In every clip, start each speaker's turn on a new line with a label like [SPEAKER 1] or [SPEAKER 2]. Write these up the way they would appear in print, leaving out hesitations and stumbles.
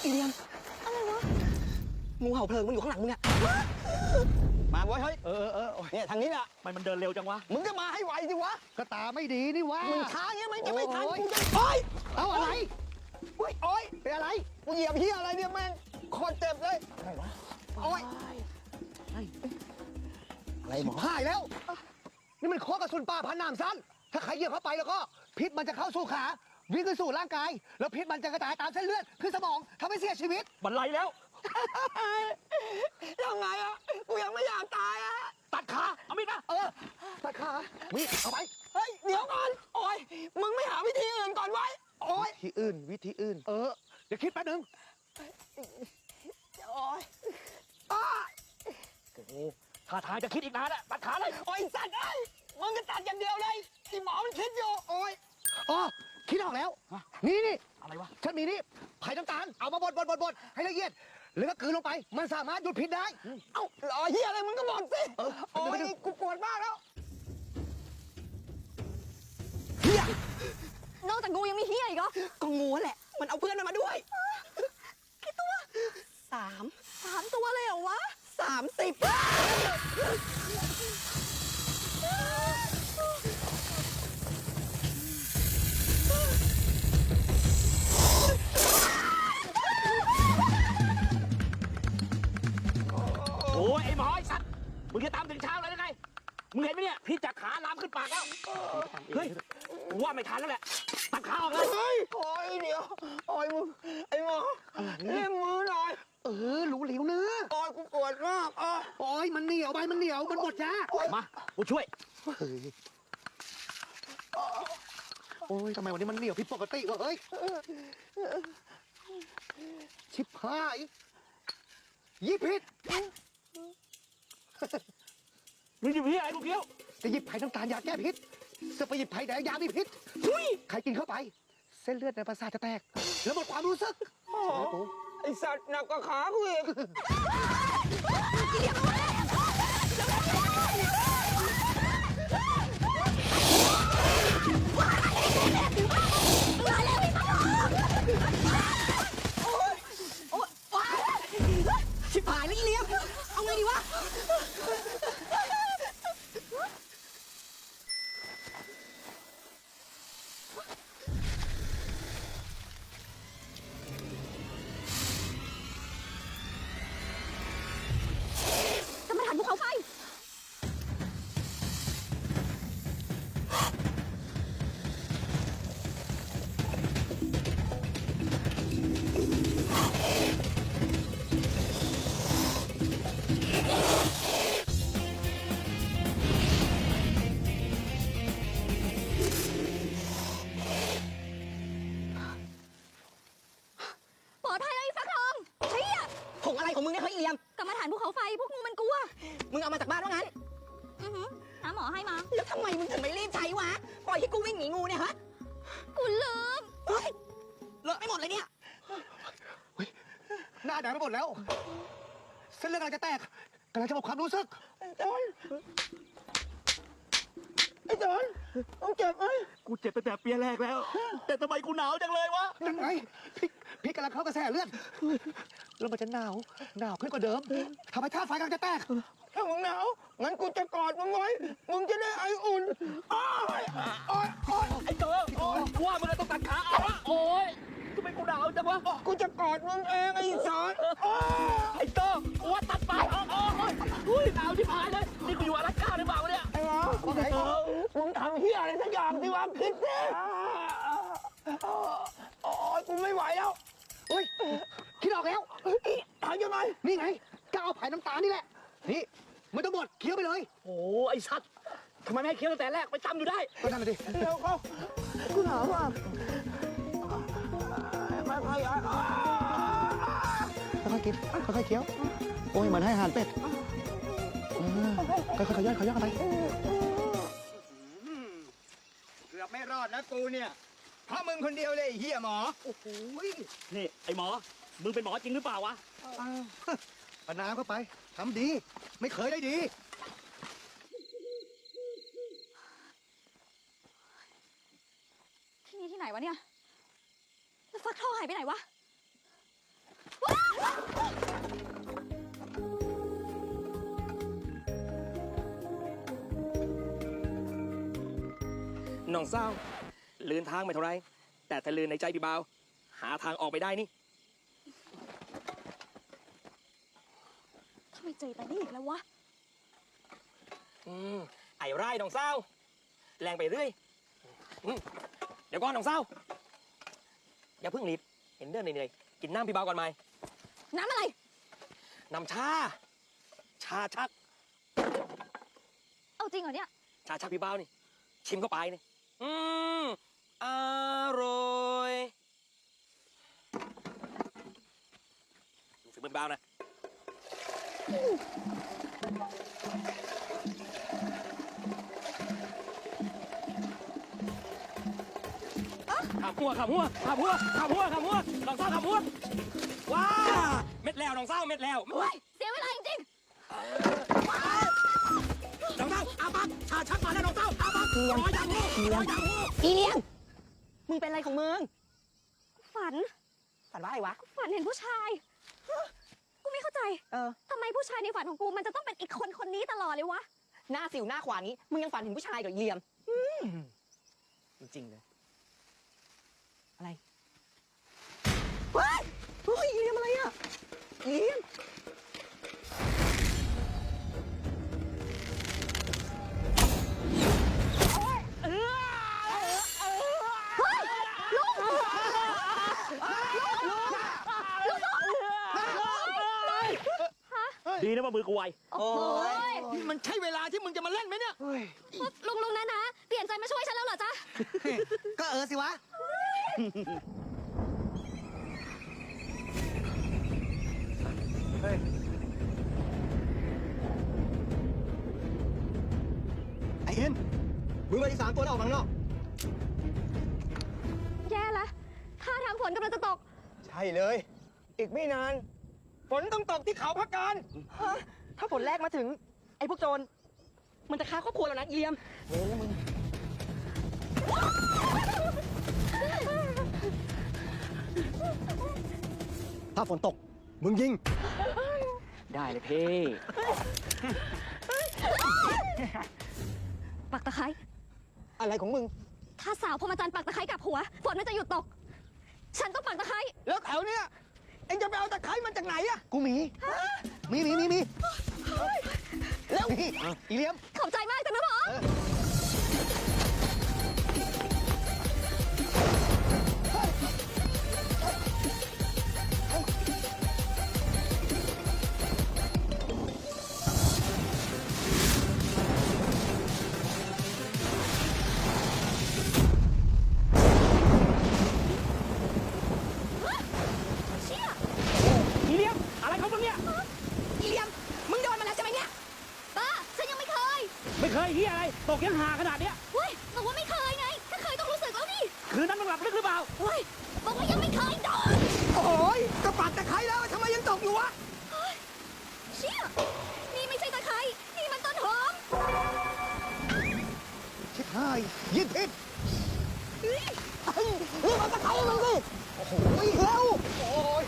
[SPEAKER 1] อีเลียมอะไรวะงูเห่าเพลิงมันอยู่ข้างหลังมึงอะมาเว้ยเฮ้ยเนี่ยทางนี้แหละ
[SPEAKER 2] มันเดินเร็วจังวะ
[SPEAKER 1] มึงก็มาให้ไวสิวะ
[SPEAKER 3] ก็ตาไม่ดีนี่วะ
[SPEAKER 1] มึงช้าเงี้ยมันจะไม่ทันกูจะโอ๊ย
[SPEAKER 3] เอาอะไร
[SPEAKER 1] โอ๊ย
[SPEAKER 3] เป็นอะไร
[SPEAKER 1] กูเหยียบเหี้ยอะไรเนี่ยแม่งโคตรเจ็บเลยอะไรวะโอ๊ย
[SPEAKER 3] อะไรหมอหายแล้วนี่มันโคกระสุนป่าพันน้ำสั้นถ้าใครเหยียบเข้าไปแล้วก็พิษมันจะเข้าสู่ขาวิ่งขึ้นสู่ร่างกายแล้วพิษมันจะกระจายตามเส้นเลือดขึ้นสมองทำให้เสียชีวิต
[SPEAKER 2] บันไลแล้ว
[SPEAKER 1] ยังไงอะกูยังไม่อยากตายอะ
[SPEAKER 2] ตัดขาเอามีดมา
[SPEAKER 3] ตัดขามีดเอาไป
[SPEAKER 1] เฮ้ยเดี๋ยวก่อนโอ๊ยมึงไม่หาวิธีอื่นก่อนไว้โอ๊ย
[SPEAKER 3] วิธีอื่นเดี๋ยวคิดแป๊บนึง
[SPEAKER 1] โอ๊ย
[SPEAKER 2] โอ้โหท่าทางจะคิดอีกนานอะตัดขาเลย
[SPEAKER 1] โอ๊ยสัตว์ไอ้มึงก็ตัดอย่างเดียวเลยไอ้หมอมันคิดอยู่โอ๊ย
[SPEAKER 3] คิดออกแล้วนี่
[SPEAKER 2] อะไรวะ
[SPEAKER 3] ฉันมีนี่ไผ่น้ำตาลเอามาบดให้ละเอียดแล้วก็กลืนลงไปมันสามารถหยุดพิษได้
[SPEAKER 1] เอ้ารอเฮียอะไรมึงก็บอกสิโอ๊ยกูปวดมากแล้ว
[SPEAKER 4] เฮียนอกจากงูยังมีเฮียอีกเหรอ
[SPEAKER 1] ก็งูแหละมันเอาเพื่อนมาด้วย
[SPEAKER 4] กี่ตัว
[SPEAKER 1] สาม
[SPEAKER 4] ตัวเลยเหรอวะ
[SPEAKER 1] 30
[SPEAKER 2] โอ้ยไอ้หมอไอ้สัตว์มึงจะตามถึงเช้าเลยได้ไงมึงเห็นไหมเนี่ยพี่จากขาลามขึ้นปากแล้วเฮ้ยว่าไม่ทันแล้วแหละตัดขาออกเลย
[SPEAKER 1] โอ๊ยเดี๋ยวโอ๊ยมึงไอ้หมอเลี้ยงมือหน่อย
[SPEAKER 3] รู้เหลวเนื้อ
[SPEAKER 1] โอ๊ยกูปวดมาก
[SPEAKER 3] มันเหนียวใบมันเหนียวมันหมดยา
[SPEAKER 2] มากูช่วย
[SPEAKER 3] ทำไมวันนี้มันเหนียวผิดปกติวะเฮ้ยชิบหายยิบพิษ
[SPEAKER 2] มึงหยิบพี่อะไรกูเกี้ยว
[SPEAKER 3] จะหยิบไผ่น้ำตาลยาแก้พิษจะไปหยิบไผ่แดงยามีพิษใครกินเข้าไปเส้นเลือดในประสาทจะแตกแล้วหมดความรู้สึก
[SPEAKER 1] ไอสัตว์หนักกว่าขากูอีกชิบหายแล้วอีเลี้ยมเอาไงดีวะ
[SPEAKER 4] ภูเขาไฟปลอดภัยเลยฟักทองเชี่ย
[SPEAKER 1] ผงอะไรของมึงเนี่ยเฮ้ยอีเลียม
[SPEAKER 4] กรรมฐานภูเขาไฟพวกงูมันกลัว
[SPEAKER 1] มึงเอามาจากบ้านว่างั้น
[SPEAKER 4] น้าหมอให้มา
[SPEAKER 1] แล้วทำไมมึงถึงไม่รีบใช้วะปล่อยให้กูวิ่งหนีงูเนี่ยฮะ
[SPEAKER 4] กูลืม
[SPEAKER 1] เฮ้ยเลอะไม่หมดเลยเนี่ย
[SPEAKER 3] หน้าแดงไปหมดแล้วเส้นเลือดกำลังจะแตกกำลังจะหมดความรู้สึก
[SPEAKER 1] ไอ้จอนมึงเจ็บไหม
[SPEAKER 2] กูเจ็บตั้งแต่เปียแรกแล้วแต่ทำไมกูหนาวจังเลยวะ
[SPEAKER 3] ยังไงพี่กำลังเข้ากระแสเลือดแล้วมันจะหนาวขึ้นกว่าเดิมทำให้ธาตุไฟกำลังจะแตก
[SPEAKER 1] ถ้ามึงหนาวงั้นกูจะกอดมึงไว้มึงจะได้ไออุ่น
[SPEAKER 2] ไอ้เต๋อว่ามึงต้องตัดขาเอาวะโอ๊ยทำไมกูหนาวจังวะ
[SPEAKER 1] กูจะกอดมึงเองไอ้สอน
[SPEAKER 2] ไอ้เต๋อว่าตัดปากอุ้ยหนาวที่พายเลยนี่กูอยู่อลาสก้าหรือเปล่าเนี่ย
[SPEAKER 1] ไอ้หมอมึงทำเฮียอะไรสักอย่างดิวะคิดสิโอ๊ยกูไม่ไหวแล้ว
[SPEAKER 3] คิดออกแล้ว
[SPEAKER 1] ทำยังไง
[SPEAKER 3] นี่ไงก็เอาไผ่น้ำตาลนี่แหละนี่ไม่ต้องหมดเคี้ยวไปเลย
[SPEAKER 2] โอ้ไอ้สัตว์ทำไมไม่ให้เคี้ยวตั้งแต่แรกไปจำอยู่ได้
[SPEAKER 3] ก็นั่นแหละดิ
[SPEAKER 1] เร็วเขากูหนาวมาก
[SPEAKER 3] ค่อยๆกินค่อยๆเคี้ยวโอ้ยเหมือนให้อาหารเป็ดค่อยๆย่อยกันไป
[SPEAKER 1] เกือบไม่รอดนะกูเนี่ยเพราะมึงคนเดียวเลยเฮียหมอ
[SPEAKER 3] โอ้โห
[SPEAKER 2] นี่ไอ้หมอมึงเป็นหมอจริงหรือเปล่าวะ
[SPEAKER 3] ปะน้ำเข้าไปทำดีไม่เคยได้ดี
[SPEAKER 4] ที่นี่ที่ไหนวะเนี่ยแล้วฟักทองหายไปไหนวะ
[SPEAKER 2] น้องเศร้าลืนทางไม่เท่าไรแต่ถ้าลืนในใจพี่บ่าวหาทางออกไปได้นี่
[SPEAKER 4] ทำไมเจอแต่นี่อีกแล้ววะ
[SPEAKER 2] ไอ้ไร่น้องเศร้าแรงไปเรื่อยเดี๋ยวก่อนน้องเศร้าอย่าเพิ่งรีบเห็นเดินเหนื่อยๆกินน้ำพี่บ่าวก่อนไหม
[SPEAKER 4] น้ำอะไร
[SPEAKER 2] น้ำชาชัก
[SPEAKER 4] เอาจริงเหรอเนี่ย
[SPEAKER 2] ชาชักพี่บ่าวนี่ชิมเข้าไปนี่อร่อยดูฝีมือบ่าวนะขับหัวลองเศร้าขับหัวว้าเม็ดแล้วน้องเศร้าเม็ดแล้ว
[SPEAKER 4] โอ้ย เสียเวลาจริง
[SPEAKER 2] น้องเศร้าอาบักชาชักมาแล้วน้องเศร้าอาบักร้อยดังหู
[SPEAKER 1] อีเลียมมึงเป็นอะไรของมึง
[SPEAKER 4] ๆฝัน
[SPEAKER 1] ฝันว่าอะไรวะ
[SPEAKER 4] ฝันเห็นผู้ชาย กูไม่เข้าใจ ทำไมผู้ชายในฝันของกูมันจะต้องเป็นอีกคนคนนี้ตลอดเลยวะ
[SPEAKER 1] หน้าสิวหน้าขวานี้ มึงยังฝันเห็นผู้ชายกับอีเลียมจริงๆเลย อะไรเฮ้ยเฮ้ยอีเลียมอะไรอ่ะอีเลียม
[SPEAKER 2] ดีนะว่ามือกูไว
[SPEAKER 1] โอ้ย
[SPEAKER 2] มันใช่เวลาที่มึงจะมาเล่นไหมเนี่ย
[SPEAKER 4] ลุงนะ เปลี่ยนใจมาช่วยฉันแล้วเหรอจ๊ะ
[SPEAKER 3] ก็สิวะ
[SPEAKER 1] ไอ้เอ็นมึงไปที่3 ตัวแล้วออกข้างนอก
[SPEAKER 4] แย่ละท่าทางฝนกำลังจะตก
[SPEAKER 1] ใช่เลย อีกไม่นาน ฝนต้องตกที่เขาพักการถ้าฝนแรกมาถึง ไอ้พวกโจร มันจะฆ่าครอบครัวแล้วนะอีเลียมเว้ยแล้วมึง ถ้าฝนตก มึงยิง
[SPEAKER 2] ได้เลยพี่
[SPEAKER 4] ปักตะไคร้
[SPEAKER 1] อะไรของมึง
[SPEAKER 4] ถ้าสาวพรหมจันทรย์ปักตะไคร้กับหัว ฝนมันจะหยุดตก ฉันต้องปักตะไคร้
[SPEAKER 1] แล้วแถวเนี้ยเอ็งจะไปเอาตะไคร้มันจากไหนอะ
[SPEAKER 3] กูมี
[SPEAKER 1] แล้ว
[SPEAKER 3] นี่อีเลียม
[SPEAKER 4] ขอบใจมากจ้ะนะหมอ เชี่ย
[SPEAKER 2] อีเลียมอะไรของมึงเนี่ย
[SPEAKER 4] อีเลียม มึงโดนมาแล้วใช่ไหมเนี่ยบ้าฉันยังไม่เคย
[SPEAKER 2] ไม่เคยเฮียอะไร ตกยังหาขนาดเนี้ย
[SPEAKER 4] เฮ้ยบอกว่าไม่เคยไง ถ้าเคยต้องรู้สึกแล้วนี่
[SPEAKER 2] คืนนั้นมึงหลับลึกหรือเปล่า
[SPEAKER 4] เฮ้ยบอกว่ายังไม่เคยโดน
[SPEAKER 1] โอ้ยก็ปัดตะไคร้แล้วทำไมยังตกอยู่วะ
[SPEAKER 4] เชี่ย นี่ไม่ใช่ตะไคร้นี่มันต้นหอม
[SPEAKER 3] ชิบหายยิงผิด
[SPEAKER 1] รีบเอาตะไคร้ให้มันสิ
[SPEAKER 3] โอ้โห
[SPEAKER 1] เร็วโอ้ย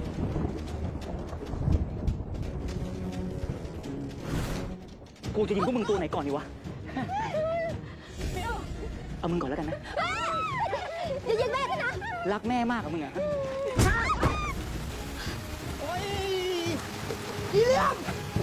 [SPEAKER 2] กูจะยิงพวกมึงตัวไหนก่อนดีวะ เอามึงก่อนแล้วกันนะ
[SPEAKER 4] อย่ายิงแม่ด้วยนะ
[SPEAKER 2] รักแม่มากกับมึงอะ
[SPEAKER 1] โอ้ยอีเลียม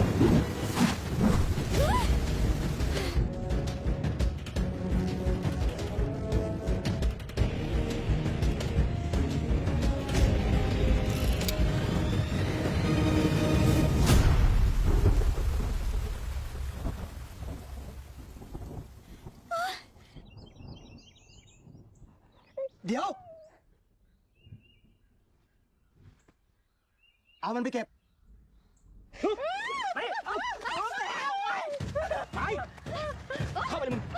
[SPEAKER 1] เดี๋ยว เอามันไปเก็บ
[SPEAKER 2] ไปเข้าไปเลยมึง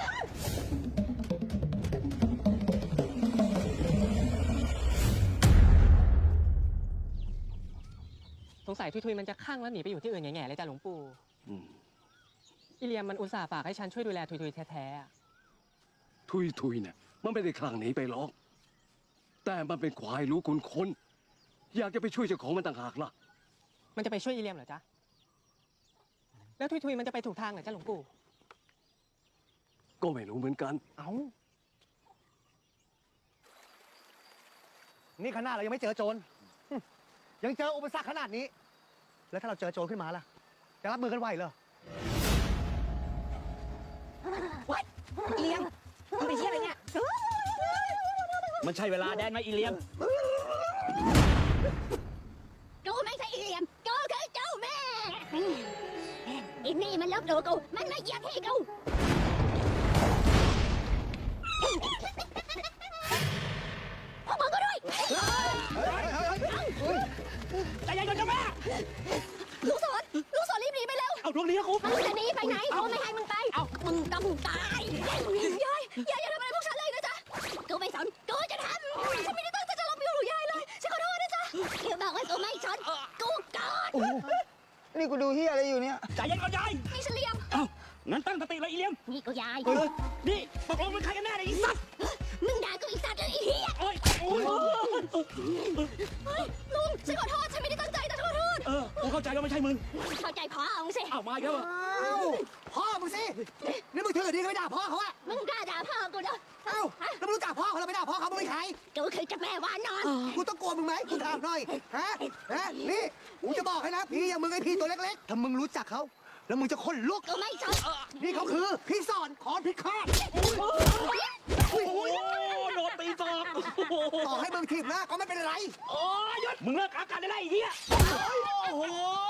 [SPEAKER 5] สงสัยทุยๆมันจะข้างแล้วหนีไปอยู่ที่อื่นแง่ๆเลยจ้ะหลวงปู่อิเลียมมันอุตส่าห์ฝากให้ฉันช่วยดูแลทุยๆแท้ๆอะ
[SPEAKER 6] ทุยเนี่ยมันไม่ได้คลั่งหนีไปหรอก แต่มันเป็นควายรู้คุณคนอยากจะไปช่วยเจ้าของมันต่างหากล่ะ
[SPEAKER 5] มันจะไปช่วยอีเลียมเหรอจ๊ะ แล้วทุยๆมันจะไปถูกทางเหรอจ้าหลวงปู่
[SPEAKER 6] ก็ไม่รู้เหมือนกัน
[SPEAKER 3] เอ้า นี่ขนาดเรายังไม่เจอโจรยังเจออุปสรรคขนาดนี้ แล้วถ้าเราเจอโจรขึ้นมาล่ะ จะรับมือกันไหวเหรอ
[SPEAKER 1] อีเลียมมึงไปเที่ยวอะไรเนี่ย
[SPEAKER 2] มันใช่เวลาแดนไหมอีเลียม
[SPEAKER 4] กูไม่ใช่อีเลียมกูคือเจ้าแม่อีนี่มันลบหลู่กูมันมาเหยียบที่กูพวกมึงก็ด้วย
[SPEAKER 2] ใจเย็นก่อนเจ้าแม่
[SPEAKER 4] ลูกศรรีบหนีไปเร็ว
[SPEAKER 2] เอาดวงดีนะกู
[SPEAKER 4] มึงจะหนีไปไหนกูไม่ให้มึงไปมึงต้องตายยายอย่าทำอะไรพวกฉันเลยนะจ๊ะกูไม่สนกูจะทำฉันไม่ได้ตั้งใจจะลบหลู่ยายเลยฉันขอโทษนะจ๊ะคือบอกว่ากูไม่สนกูกอด
[SPEAKER 3] นี่กูดูเฮียอะไรอยู่เนี่ย
[SPEAKER 2] ใจเย็นก่อนยาย
[SPEAKER 4] นี่ฉันเลียม
[SPEAKER 2] เอ้างั้นตั้งสติเลยอีเลียม
[SPEAKER 4] นี่กูยาย
[SPEAKER 2] นี่ตกลงเป็นใครกันแน่เนี่ยอีสัตว์
[SPEAKER 4] มึงด่ากูอีสัตว์เลยไอ้เหี้ย
[SPEAKER 2] โอ้ยโอ้ย
[SPEAKER 4] เฮ้ยลุงฉันขอโทษฉันไม่ได้ตั้งใจแต่ขอโทษ
[SPEAKER 2] กูเข้าใจว่าไม่ใช่มึง
[SPEAKER 4] เข้าใจพ่อมึงสิ
[SPEAKER 2] เอามาอีกแล้วเหรอ
[SPEAKER 3] อ้าวพ่อมึงสิ นี่มึงถือดีก็ไม่ด่าพ่อเขาอะ
[SPEAKER 4] มึงกล้าด่าพ่อกูเนาะ
[SPEAKER 3] เอ้าแล้วมึงรู้จักพ่อเขาแล้วไม่ด่าพ่อเขามึงเป็นใคร
[SPEAKER 4] กูคือเจ้าแม่วานอน
[SPEAKER 3] กูต้องกลัวมึงไหมกูถามหน่อย ฮะ นี่ กูจะบอกให้นะ พี่อย่างมึงไอ้พี่ตัวเล็กๆ ถ้ามึงรู้จักเขา แล้วมึงจะขนลุก
[SPEAKER 4] กูไม่ชอบ
[SPEAKER 3] นี่เขาคือพี่สอนขอนพิฆาต
[SPEAKER 2] โอ้ยโดนตีศอกโอ้โห
[SPEAKER 3] ต่อให้มึงถีบหน้าก็ไม่เป็นไร
[SPEAKER 2] โอ้ยหยุดมึงเลิกอาการได้แล้วไอ้เหี้ยโอ้โห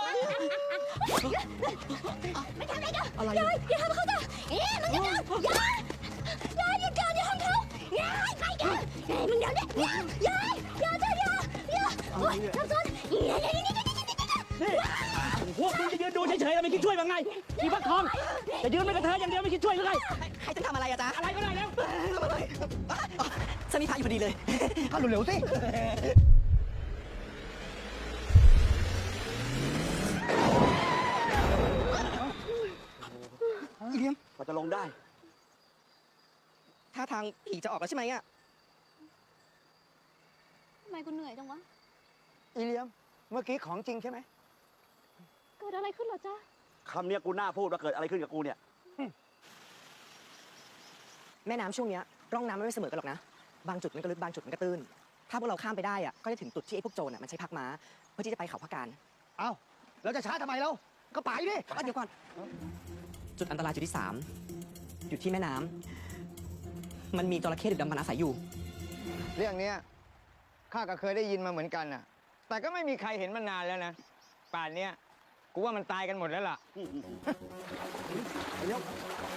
[SPEAKER 4] ไม่ทำอะไรกันอะไรยายอย่าทำเขาจ้ะมึงจะเดินยายหยุดก่อนอย่าทำเขายายไปกันมึงเดินดิยายโอ้ยทำซ้อน
[SPEAKER 2] นี่พวกมึงจะยืนดูเฉยๆแล้วไม่คิดช่วยมั้งไงอีพักทองจะยืนไม่กระเทยอย่างเดียวไม่คิดช่วยหรือไง
[SPEAKER 1] ให้ฉันทำอะไรอะจ๊ะ
[SPEAKER 2] อะไรก็ได้แล้ว
[SPEAKER 1] ฉันมีพาอยู่พอดีเลย
[SPEAKER 3] ก็เร็วๆสิ
[SPEAKER 1] อีเลียม
[SPEAKER 2] กว่าจะลงได้
[SPEAKER 1] ท่าทางผีจะออกแล้วใช่ไหมอะ
[SPEAKER 4] ทำไมกูเหนื่อยจังวะ
[SPEAKER 3] อีเลียม เมื่อกี้ของจริงใช่ไหม
[SPEAKER 4] เกิดอะไรขึ้นเหรอจ๊ะ
[SPEAKER 2] คำเนี้ยกูน่าพูดว่าเกิดอะไรขึ้นกับกูเนี่ย
[SPEAKER 1] แม่น้ำช่วงเนี้ยร่องน้ำไม่เสมอกันหรอกนะ บางจุดมันก็ลึกบางจุดมันก็ตื้น ถ้าพวกเราข้ามไปได้อะก็จะถึงจุดที่ไอ้พวกโจรอะมันใช้พักม้าเพื่อที่จะไปเขาพักการ
[SPEAKER 3] เอ้าเราจะช้าทำไมเราก็ไปดิ
[SPEAKER 1] เดี๋ยวก่อน จุดอันตรายจุดที่ 3 อยู่ที่แม่น้ำมันมีจระเข้ดึกดำบรรณอาศัยอยู่
[SPEAKER 7] เรื่องเนี้ยข้าก็เคยได้ยินมาเหมือนกันน่ะ แต่ก็ไม่มีใครเห็นมันนานแล้วนะ ป่านเนี้ยกูว่ามันตายกันหมดแล้วล่ะ
[SPEAKER 3] เร็ว